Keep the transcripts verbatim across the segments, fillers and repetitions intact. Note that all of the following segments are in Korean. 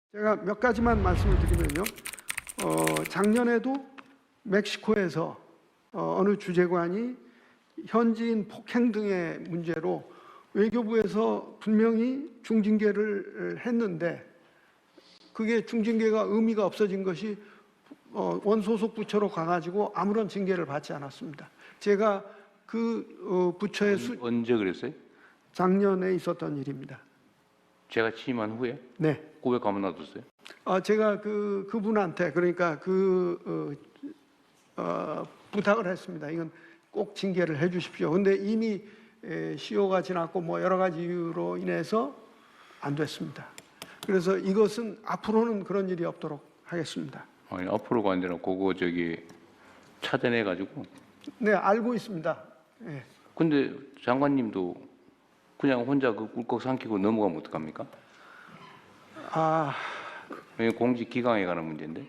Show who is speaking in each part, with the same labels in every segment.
Speaker 1: 제가 몇 가지만 말씀을 드리면요. 어, 작년에도 멕시코에서 어, 어느 주재관이 현지인 폭행 등의 문제로 외교부에서 분명히 중징계를 했는데 그게 중징계가 의미가 없어진 것이 어, 원소속 부처로 가가지고 아무런 징계를 받지 않았습니다. 제가 그 어, 부처의 수,
Speaker 2: 언제 그랬어요?
Speaker 1: 작년에 있었던 일입니다.
Speaker 2: 제가 취임한 후에?
Speaker 1: 네.
Speaker 2: 고백 가만 놔뒀어요?
Speaker 1: 어, 제가 그 그분한테 그러니까 그 어, 어, 부탁을 했습니다. 이건 꼭 징계를 해주십시오. 근데 이미 에, 시효가 지났고 뭐 여러 가지 이유로 인해서 안 됐습니다. 그래서 이것은 앞으로는 그런 일이 없도록 하겠습니다.
Speaker 2: 아니 앞으로가 아니라 그거 저기 찾아내 가지고.
Speaker 1: 네, 알고 있습니다. 예.
Speaker 2: 근데 장관님도 그냥 혼자 그 꿀꺽 삼키고 넘어가면 어떡합니까?
Speaker 1: 아,
Speaker 2: 이게 공직 기강에 관한 문제인데.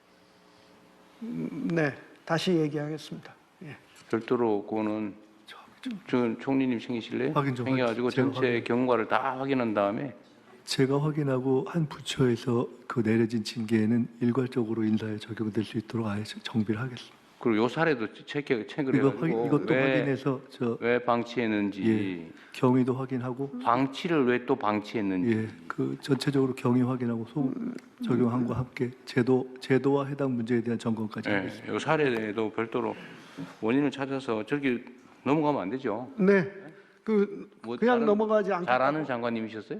Speaker 1: 음, 네, 다시 얘기하겠습니다. 예.
Speaker 2: 별도로 그거는 저 총리님 챙기실래요?
Speaker 3: 확인 좀
Speaker 2: 챙겨가지고
Speaker 3: 제가
Speaker 2: 전체
Speaker 3: 확인.
Speaker 2: 경과를 다 확인한 다음에
Speaker 3: 제가 확인하고 한 부처에서 그 내려진 징계는 일괄적으로 인사에 적용될 수 있도록 아예 정비를 하겠습니다.
Speaker 2: 그리고 요 사례도 체크 체크를
Speaker 3: 이거
Speaker 2: 해가지고
Speaker 3: 확인, 이것도
Speaker 2: 왜,
Speaker 3: 확인해서 저
Speaker 2: 왜 방치했는지
Speaker 3: 예, 경위도 확인하고
Speaker 2: 방치를 왜 또 방치했는지
Speaker 3: 예, 그 전체적으로 경위 확인하고 소 적용함과 함께 제도 제도와 해당 문제에 대한 점검까지
Speaker 2: 예,
Speaker 3: 하겠습니다.
Speaker 2: 요 사례도 별도로 원인을 찾아서 저기 넘어가면 안 되죠.
Speaker 1: 네, 그
Speaker 2: 뭐
Speaker 1: 그냥
Speaker 2: 다른-
Speaker 1: 넘어가지 않고
Speaker 2: 잘 아는 장관님이셨어요?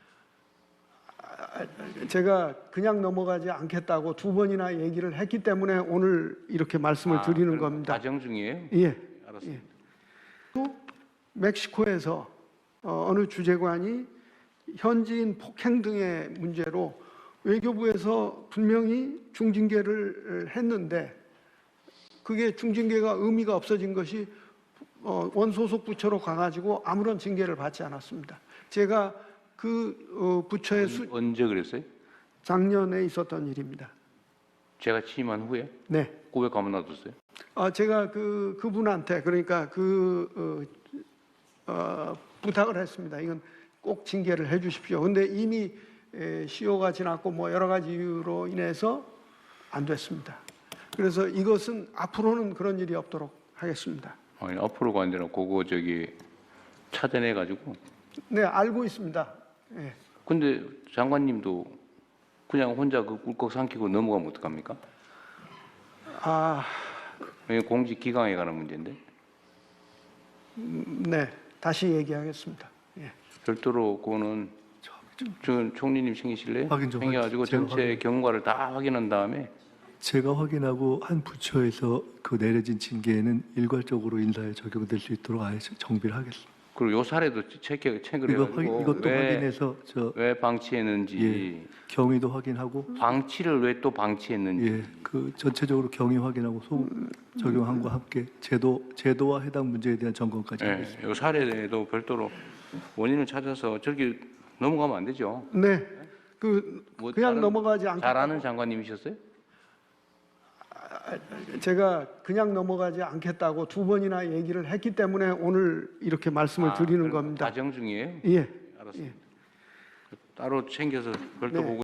Speaker 1: 제가 그냥 넘어가지 않겠다고 두 번이나 얘기를 했기 때문에 오늘 이렇게 말씀을
Speaker 2: 아,
Speaker 1: 드리는
Speaker 2: 그럼
Speaker 1: 겁니다.
Speaker 2: 과정 중이에요?
Speaker 1: 예.
Speaker 2: 알았습니다.
Speaker 1: 또 멕시코에서 어, 어느 주재관이 현지인 폭행 등의 문제로 외교부에서 분명히 중징계를 했는데 그게 중징계가 의미가 없어진 것이 어, 원소속 부처로 가가지고 아무런 징계를 받지 않았습니다. 제가 그 어, 부처의 수,
Speaker 2: 언제 그랬어요?
Speaker 1: 작년에 있었던 일입니다.
Speaker 2: 제가 취임한 후에
Speaker 1: 네.
Speaker 2: 고백 가만 놔뒀어요?
Speaker 1: 어, 제가 그 그분한테 그러니까 그 어, 어, 부탁을 했습니다. 이건 꼭 징계를 해주십시오. 근데 이미 에, 시효가 지났고 뭐 여러 가지 이유로 인해서 안 됐습니다. 그래서 이것은 앞으로는 그런 일이 없도록 하겠습니다.
Speaker 2: 아니 앞으로가 아니라 그거 저기 찾아내 가지고.
Speaker 1: 네, 알고 있습니다. 예.
Speaker 2: 근데 장관님도 그냥 혼자 그 꿀꺽 삼키고 넘어가면 어떡합니까?
Speaker 1: 아,
Speaker 2: 이게 공직 기강에 관한 문제인데.
Speaker 1: 음, 네, 다시 얘기하겠습니다. 예.
Speaker 2: 별도로 그거는 저 총리님 챙기실래요?
Speaker 3: 확인 좀
Speaker 2: 챙겨가지고
Speaker 3: 제가
Speaker 2: 전체
Speaker 3: 확인.
Speaker 2: 경과를 다 확인한 다음에
Speaker 3: 제가 확인하고 한 부처에서 그 내려진 징계는 일괄적으로 인사에 적용될 수 있도록 아예 정비를 하겠습니다.
Speaker 2: 그리고 요 사례도 체크 체크를
Speaker 3: 이거
Speaker 2: 해가지고
Speaker 3: 확인, 이것도
Speaker 2: 왜,
Speaker 3: 확인해서 저
Speaker 2: 왜 방치했는지
Speaker 3: 예, 경위도 확인하고
Speaker 2: 방치를 왜 또 방치했는지
Speaker 3: 예, 그 전체적으로 경위 확인하고 소 적용함과 함께 제도 제도와 해당 문제에 대한 점검까지 하겠습니다.
Speaker 2: 예, 요 사례도 별도로 원인을 찾아서 저기 넘어가면 안 되죠.
Speaker 1: 네, 그
Speaker 2: 뭐
Speaker 1: 그냥
Speaker 2: 다른-
Speaker 1: 넘어가지 않고
Speaker 2: 잘 아는 장관님이셨어요?
Speaker 1: 제가 그냥 넘어가지 않겠다고 두 번이나 얘기를 했기 때문에 오늘 이렇게 말씀을
Speaker 2: 아,
Speaker 1: 드리는
Speaker 2: 그럼
Speaker 1: 겁니다.
Speaker 2: 과정 중이에요?
Speaker 1: 예.
Speaker 2: 알았습니다. 따로 챙겨서 별도
Speaker 1: 네.
Speaker 2: 보고